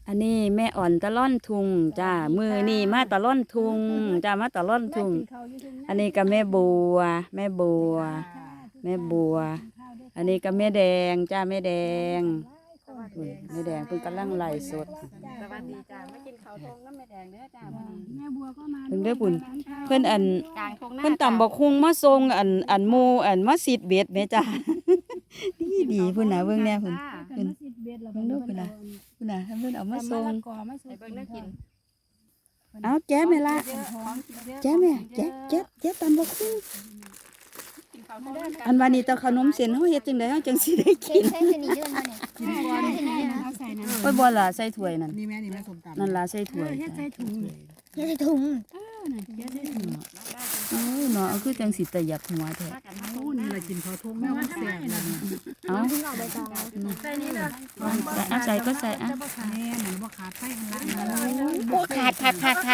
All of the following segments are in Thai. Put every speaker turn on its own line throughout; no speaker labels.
อันนี้แม่อ่อนตะล่อนทุงจ้ามือนี่มาตะล่อนทุงจ้ามาตะล่อนทุงอันนี้ก็แม่บัวแม่บัวแม่บัวอันนี้ก็แม่แดงจ้าแม่แดงแม่แดงเพิ่งกำลังไล่สด
สวัสดีจ้ามากินข้าวทงน้ำแม่แดงเด้อจ้ามื้อนี้
แม่บัวก็มา
เพิ่นได้อปุ่นเพิ่นอัน
กลางทงหน้า
เพิ่นตำบักฮุงมาส่งอันหมู่อันมาสิดเบ็ดแม่จ้า ดีพุ่นน่ะเบิ่งแน่พุ่น
เพิ่นมาสิเบ็ดแล้ว
เบิ่งดูพุ่นน่ะพุ่นน่ะเพิ่นเอามาส่ง
ก่อมาส่
ให้เบิ่งได้กิน
เอาแจ้แม่ละแจ้แม่แจ้ตำบักฮุง
กินข้าวทงน้ำกัน
อันวันนี้ตะขนมเส้นเฮาเฮ็ดจังได๋เฮาจังสิได้กิน
ใช้เป็นอีเดือนมาเนี่ย
กินก่อนเอาใส่น้ำ
โอ้ยบ่ล่ะใส่ถ้วยนั่น
นี่แม่นี่แม่ส้มตำ
นั่นล่ะใส่ถ้วย
เฮ็ดใส่ถุง
เดี๋ยวใส่ถุง
น่ะเฮ็ดใส่ถุง
โอ้ยเนาะเอาคือจังสิตะหยับหัวแท้
มากันมา
โอ้นี่แหละกินข้าวทุ่งแม่ว่าแซ่บเลย
เอา
ถุงเอาใบตอง
ใส่นี่เด้อ
เอาใส่ก็ใส่อ่ะ
แม่เหมือนว่าขาดไฟข้างล่าง
โอ้ขาด
คัด
ขาดแม่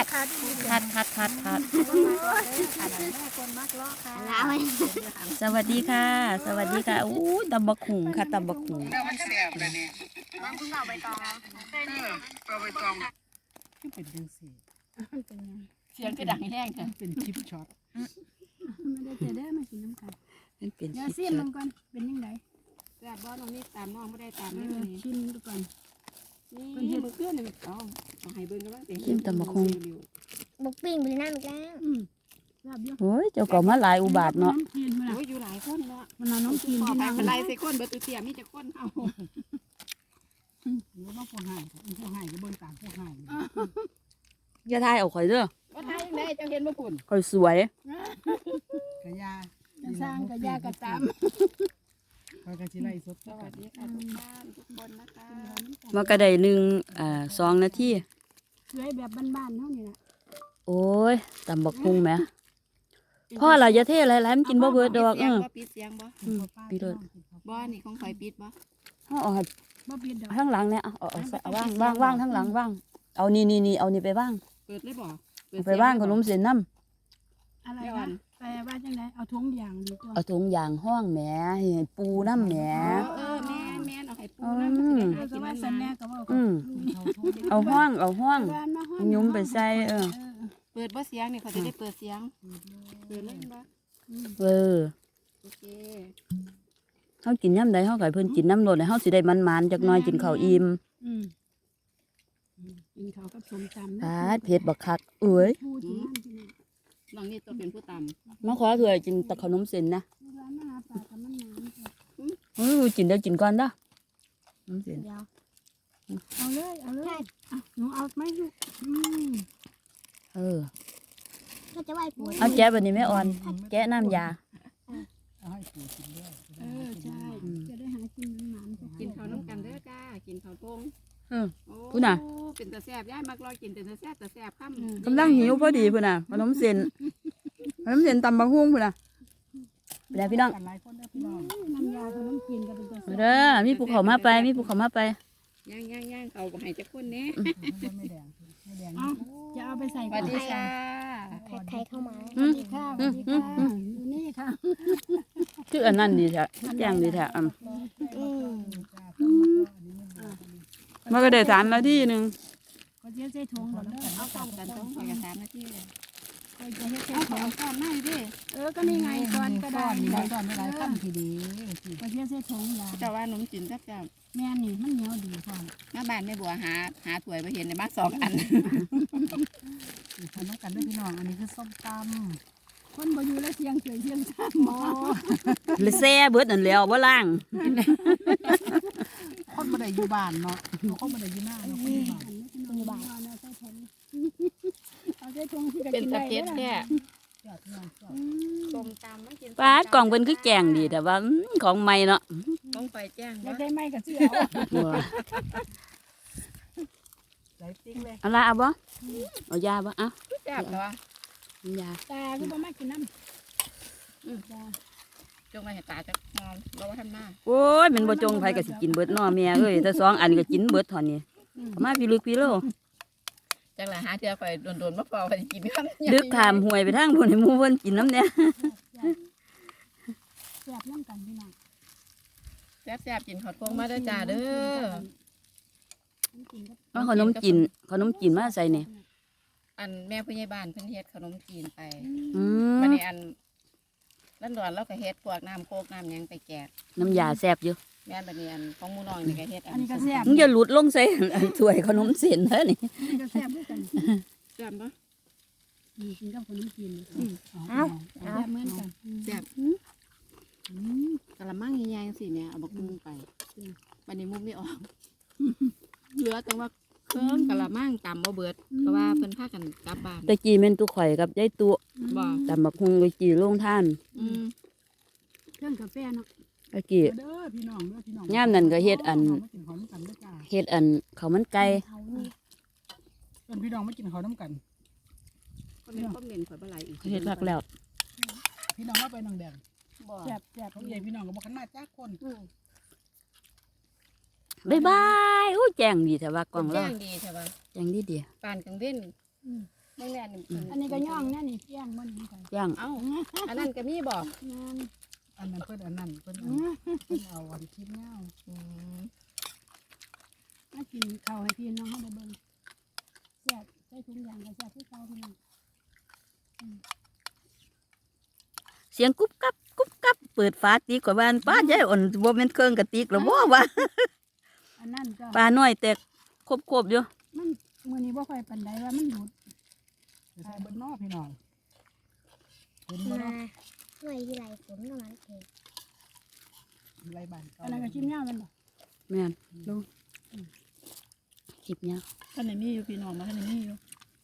คนมักล้อค่ะ
แล้ว
สวัสดีค่ะ สวัสดีค่ะอู้ตำบักหุ่งค่ะตำบักหุ่ง
มันแซ่บเลยเนี่ย
น้องเพิ่งเอาใบตองใส่นี่
เอาไปตองที่เป็นจังสี
เสียงคือดังแห้งจ้ะ
เป็นชิปช็อต
ไม่ได้จะได้มากินน้ำกัน
มันเป็น
เดี๋ยว
สิ
ซิ
บ
ม
ช็อ
มั
ต
นก่อนเป็นยังไง
แซ่บบ่น้องนี่ตามน้องบ่ได้ตามนี่มื้อนี้
ชิมดูก่อน
นี่มื้อคืนนี่เอาให้เบิ่งกันว่าสิ
กินตำบักหุ่ง
บุกปิ้งไปเลยน้ำอีกแล้ว
ลาบเยอะ
โอ้ยเจ้าก็มาหลายอุบาทเนาะ
น้ำกินมัน
โอ้ยอยู่หลายคนเนาะ
มันเอาน้ำกิน
ขอ
ที่
ไป
น้ำ
เป็นไรใส่คนเบิดตุเตียมีแต่คนเอา
หรือว่าพวกหายพวกหายก็เบิ่งตามพวกหาย
อย่าทายเอาข่อยเด้อ
ว่าทายจังได๋เจ้าเห็นบ่พุ่น
ข่อยสวย
กระยา
จะสร้างกระยากระตาม
เขากระชิไล่สด
สวัสดีค่ะทุกท่านทุกคนนะคะ
มันก็ได้หนึ่ง2 นาที
สวยแบบบ้านๆเท่านี้แหละ
โอ้ยตำบักหุ่งแหมพ่อเราอย่าเทหลายๆมันกินบ่เบิดดอก
ปิดเสียงบ่
พี่โดด
บ่นี่ของข่อยปิดบ่
เฮาเอา
บ่ปิดดอก
ข้างหลังเนี่ยเอาว่างข้างหลังว่างเอานี่เอานี่ไปว่าง
เปิดเลยบ่
เอาไปว่างขนมเส้นน้ำ
อะไรนะแปลว่าจังไดเอาถุงยางดีกว่า
เอาถุงยางห้องแหมให้ปูน้ำแหม
แม่นเอาให้ปูน้ำมันสิได้หา
ก็
กิน
ว่า
มัน
สัน
มา
แน่ก็ว่า
อืม
เขาทุ่ง
เอาห้องยุ้มไปใส่
เปิดบ่เสียงนี่เขาจะได้เปิดเสียงเปิดเลยบ่ โอเค
เฮากินยามใดเฮาก็ให้เพิ่นกินน้ำโลดให้เฮาสิได้มันๆจักหน่อยกินข้าวอิ่ม
กินข้าวกับส้มตำ
ปาดเผ็ดบักคักเอ้ย
พูดที่นั่นที่นี่
น้องนี่ตัวเป็นผู้ต
มาขอถ้วยกินแตะขนมเส้นนะ
ร้านมาหาปลากับมันน้ำจ้ะ
กินได้กินก่อนเด้อขนมเส้น
เดี๋ยวเอาเลยหนูเอาไหมลูก
เออ
ก็จะไหวปู
เอาแกะบัดนี้แม่อ่อนแกะน้ำยา
เอาให้ปูกินด้วย
ใช่จะได้หากินน้ำจ้ะ
ำกินข้าวน้ำกันเด้อจ้ากินข้าวทง
พุ่นน่ะ
เป็นตาแซ่บย่ายมักรอกินเป็นตาแซ่บค่ำ
กำลังหิวพอดีพุ่นน่ะขนมเส้นตำบักหุ่งพุ่นน่ะไปแล้วพี่น้อง
กันหลายคนได้พี่น้อง
น้ำยาเขาต้องกินกันเป็นตัว
เด้อมีภูเขามาไปมีภูเขามาไป
ย่างเขาบ่ให้จักคนแน่
ไม่แดงไม่แดง
เอาจะเอาไปใส่
สวัสดีค่ะ
ใครเข้ามา
สวัสดีค่ะสวัสดีค่ะนี่ค่ะ
ชื่ออันนั้นดีแท้แจ้งดีแท้มันก็ได้3 นาทีนึง
ก็จะใส่ถุงก่อนแล้ว
เอาพร้อมกันต้องไปกัน3 นาทีเลย
ก็จะให้ใส่
เอา
ถุง
ก่อนหน้าดิ
ก็นี่ไงก่อนก็ได้
นี่ซ่อนไม่หลายตั้มทีดี
ก็จะใส่ถุงยา
เจ้าว่าหนุ่มจินจักจ้า
แม่นี่มันเหนียวดีพร้อม
มาบ้านแม่บัวหาถ้วยไปเห็นในบ้าน2 อัน
ทำกันด้วยพี่น้องอันนี้คือส้มตำ
คนบ่อยู่แล้วเสียงเฉยเสียงซ้ำหมอ
เลยแซ่เบิดนั่นแล้วบ่ล้าง
คนบ่ได้อยู่บ้านเนาะคนบ่ได้อยู่หน้าเนาะคนอยู่บ้าน
มีบาทเอาใส่ถุงเอาใส่ถุงที่จะ
เป็น
กิน
ตะ
ได้
เพ็ดแค่
ยอดพี่น้องชอบ
ส้มตำมันกิน
ปาดกล่องเพิ่นคือแกงดีแต่ว่าของใหม่เนาะ
ต้องไปแจ้ง
อยา
ว่าก
ได้ไหมกับเสื้อ
หลายติ๊กเลย
เอาละเอาบ่เอายาบ่เอา
แซ่บเหรอย
า
ตาคือบ่มากินน้ำ
จงมาเห็นตาจะนอนเราว่าทำหน้า
โอ้ยมันบ่จงไผก็สิกินเบิดเนาะแม่เอ้ยถ้า2 อันก็กินเบิดเท่านี้เอามาพี่ลึกพี่โล
จังหละหาเทื่อข่อยโดนๆมาพอไปกินกัน
ดึกขามห้วยไปทางพุ่นให้หมู่เพิ่นกินน้ำเนี่ย
แซ่บน้ำกันพี่น้อง
แซ่บๆกินข้าวต้มมาเด้อจ้าเด้อ
กิกินกับ
เอาขนมจีนมาใส่นี่
อันแม่ผู้ใหญ่บ้านเพิ่นเฮ็ดขนมจีนไป
อืม
บัดนี้อันนั่นดอนเราก็เฮ็ดพวกน้ำโคกน้ำหยังไปแจก
น้ำยาแซ่บอยู่
แม่นบัดนี้อันของหมู่น้องนี่ก็เฮ็ด
อันนี้ก็แซ่บ
มึงอย่าหลุดลงใส่อันถ้วยขนมเส้นเด้อนี่
อันนี้ก็แซ่บด้วยกัน
แซ่บบ่
กินกับขนมจีน
เอ้า
แซ่บเหมือนกัน
แซ่บกะละมังใหญ่ๆจังซี่เนี่ยเอาบักมุงไปบัดนี้มุงไม่ออกเหลือแต่ว่าเครื่องกะละมังตำบ่เบิดเพราะว่าเพิ่นพากันกลับบ้าน
ตะกี้แม่นตุข่อยกับยายตุ
บ่
ตำบักฮุงไปจีโรงท่าน
อืม
เครื่องกาแฟเนาะ
ตะกี้
เด้อพี่น้องเด้อพี่น้อง
ยามนั้นก็เฮ็ดอัน
มากินข้าวน้ำกันเด้อจ้า
เฮ็ดอันข้าวมันไก่
เขานี่
เพื่อนพี่น้องมากินข้าวน้ำกัน
คนเป็นคนเล่นข่อยบ่หลายอีก
เฮ็ดคักแล้ว
พี่น้องมาไปนางแดง
บ่
แซ่บแซ่บ
เขาใหญ่พี่น้องก็บอกกันมาจ้าคน
บ๊ายบายอู้แจ้งดีแต่ว่ากล้อง
แจ้
เรา
งดีใช่ป่ะ
แจ้งดีเดียว
ปานกลางเว้นบางแน่น
อันนี้ก็ย่องนะนี่ย่างมันนี่กัน
ย่าง
เอ้าอันนั้นก็มีบ่
งาน
อันนั้นเพื่อนอันนั้นเพื่อนเอาวันคิดเงา
มากินข้าวให้พี่น้องเขาได้เบิ่งแซ่บใส่ถุงยางก็แซ่บที่เก่าพี่น้อง
เสียงกุ๊บกับเปิดฝาตีกว่าบ้านป้าใหญ่อ่อนบ่แม่นเครื่องกะติกหรอบ่ว่า
อันนั้นก็
ปลาน้อยแต่ครบๆอยู่
มันมื้อนี้บ่ค่อยปานใดว่ามันหยุด
ไปใส่เบิ้ลนอพี่น้องเห็น
มา
บ่เนาะ
หน่วยที่ไรฝนก็มันเอง
ไรบ้านเก่า
อันนั้นก็ชิมย่างมันบ่
แม่นลงคลิปเนี้ย
ท่านไหนมีอยู่พี่น้องมาท่านไหนมีอยู่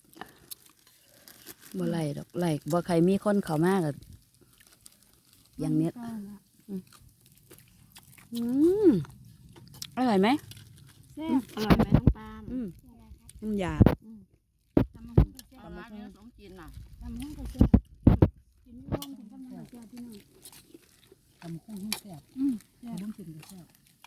บ่ไล่ดอกไล่บ่ใครมีคนเข้ามาก็อย่างเนี้ยอร่อยไหม
แซ่บ
อร่อยไหมน้องปาล์ม
น้ำยา
ตำมะฮุ่งก็แซ่
เอา
บ
มาเนี่ยขนมจีนน่ะ
ตำมะฮุ่งก็แซ่บกินร่วมถึงกำลังก็แซ่บพี่น้อง
ทำคุ้งให้แซ่บ
แซ่บ
น้ำจิ้มก็แซ่บ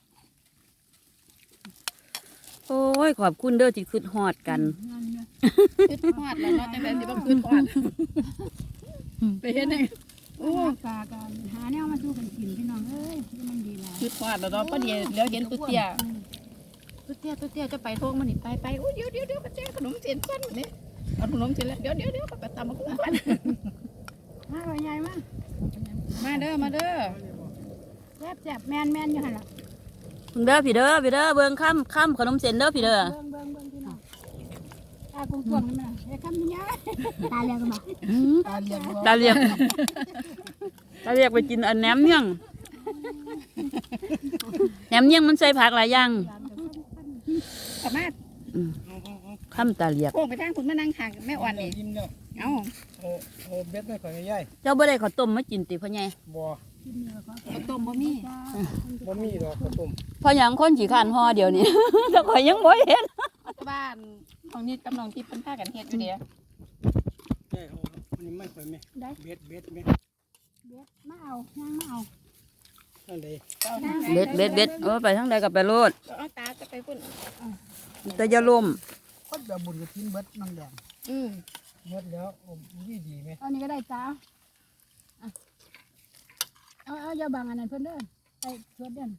โอ้ยขอบคุณเด้อที่คิดฮอดกัน
งานเนี่ย
ขึ้นฮอดแล้วเนาะจังได๋สิบ่ขึ้นฮอดไปเฮ็ดให้
โอ้ปลากันหาแนวมาสู้กันกินพี่น้องเอ้ยมันดีแล้ว
ขึ้นฮอดแล้วเนาะพอดีเดี๋ยวเห็นตุ๊เตี้ยตุ๊เตี้ยจะไปโทงมันนี่ไปโอ้ยเดี๋ยวก็แจ้งขนมจีนก่อนมื้อนี้เอาขนมจีนแล้วเดี๋ยวก็ไปตำบักหุ่งก่อน
มาเลยใหญ่มาก
มาเด้อ
แซ่บแซ่บแมนอยู่หั่นล่ะ
เด้อพี่เด้อเบิ่งค่ำขนมเส้นเด้อพี่เด้อ
เบิ่งพี่น้องตากวงๆนี่มันไอ้คำนี้ยาย
ตาเรียกกันมา
ตาเลี้ยง
ตาเรียกไปกินอันแหนมเนืองแหนมเนืองมันใส่ผักหลายอย่าง
สามารถ
ค่ำตาเรียก
โค้งไปทางคุณมานั่งข้างแม่อ่อนนี่
ยิ้มแล้ว
เอ้า
โอ้เบ็ดไม่ค่อยใหญ่
เจ้าบ่ได้ข้าวต้มมากินติพ่อใหญ่
บ่
ข้าวต้มบ่มี
บ่มีดอกข้าวต้ม
พ่อหยังคนขี้ข้านห่อเดี๋ยวนี้ แต่ข่อยยังบ่เห็น
บ้านของนี่กำลังที่เพิ่นพากันเฮ็ดอยู่เด้
แม่เอาอันนี้ไม่ค่อยแม่เบ็ดแม่
เบ็ดมาเอาย่างมาเอา
นั่นเลย
เบ็ดโอ้ไปทางใดก็ไปโลด
เอาตาจะไปพุ่น
แต่อย่าล้ม
คนแบบบุญกับทิ้นเบ็ดนางแดง
อืม
เบ็ดแล้วโอ้ดีไหม
เอานี่ก็ได้จ้าเอาอย่าบังอันนั้นเพิ่นเด้อไปชวดเด้อ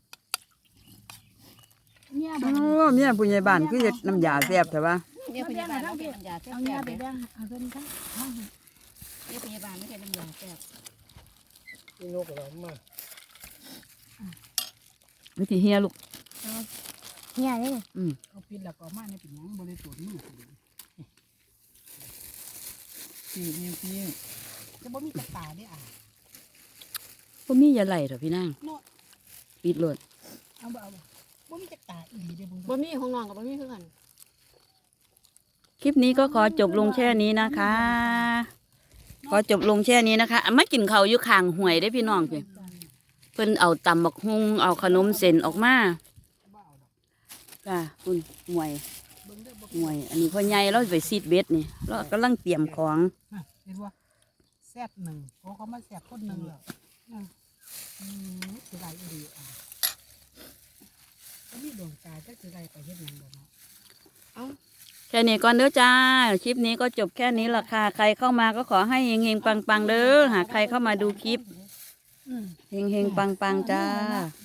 เนี่ยบัง
โอ้เมียผู้ใหญ่บ้านคือเฮ็ดน้ำยาแซ่บแต่ว่า
เนี่ยพยาบาลเราเป็นน้ำยาแซ่
เอาเนี่ย
บ
ไป
ๆเด้
แบ่งเอาเพิ่นทั้งห้อง
เนี่ยพยาบาลไม่ใช่น้ำยาแซ่บ
พี่นกเรามา
วิธีเฮียลูก
เนี่ยเลย
เอาปิดแล้วก็มาในปิดหยังบริสุทธิ์มือพี่จะบ่มีกระตาได้อ่ะ
บ่มีอย่าไหลเถอะพี่นางปิดโลด
เอาบ่บ่มีกระตาอีหลีได้บุญ
บ่มีของน้องกับบ่มีคือกัน
คลิปนี้ก็ขอจบลงแค่นี้นะคะ ขอจบลงแค่นี้นะคะมากินข้าวอยู่ข้างห้วยได้อพี่น้องพี่เพิ่นเอาตำบักฮุงเอาขนมเส้นออกมาจ้าคุณหวยอันนี้พ่อใหญ่เราไปซีดเบ็ดนี่เรากำลังเตรียมของ
เห็นว่าแซ่บหนึ่งเขามาแซ่บคนหนึ่งแล้วสิได้อีหลีอ่ะก็มีดวงตาจะสิได้ไปเฮ็ดหยังบ่เนาะ
แค่นี้ก่อนเด้อจ้า คลิปนี้ก็จบแค่นี้ละค่ะ ใครเข้ามาก็ขอให้เฮงๆปังๆเด้อ หากใครเข้ามาดูคลิป เฮงๆปังๆจ้า
เ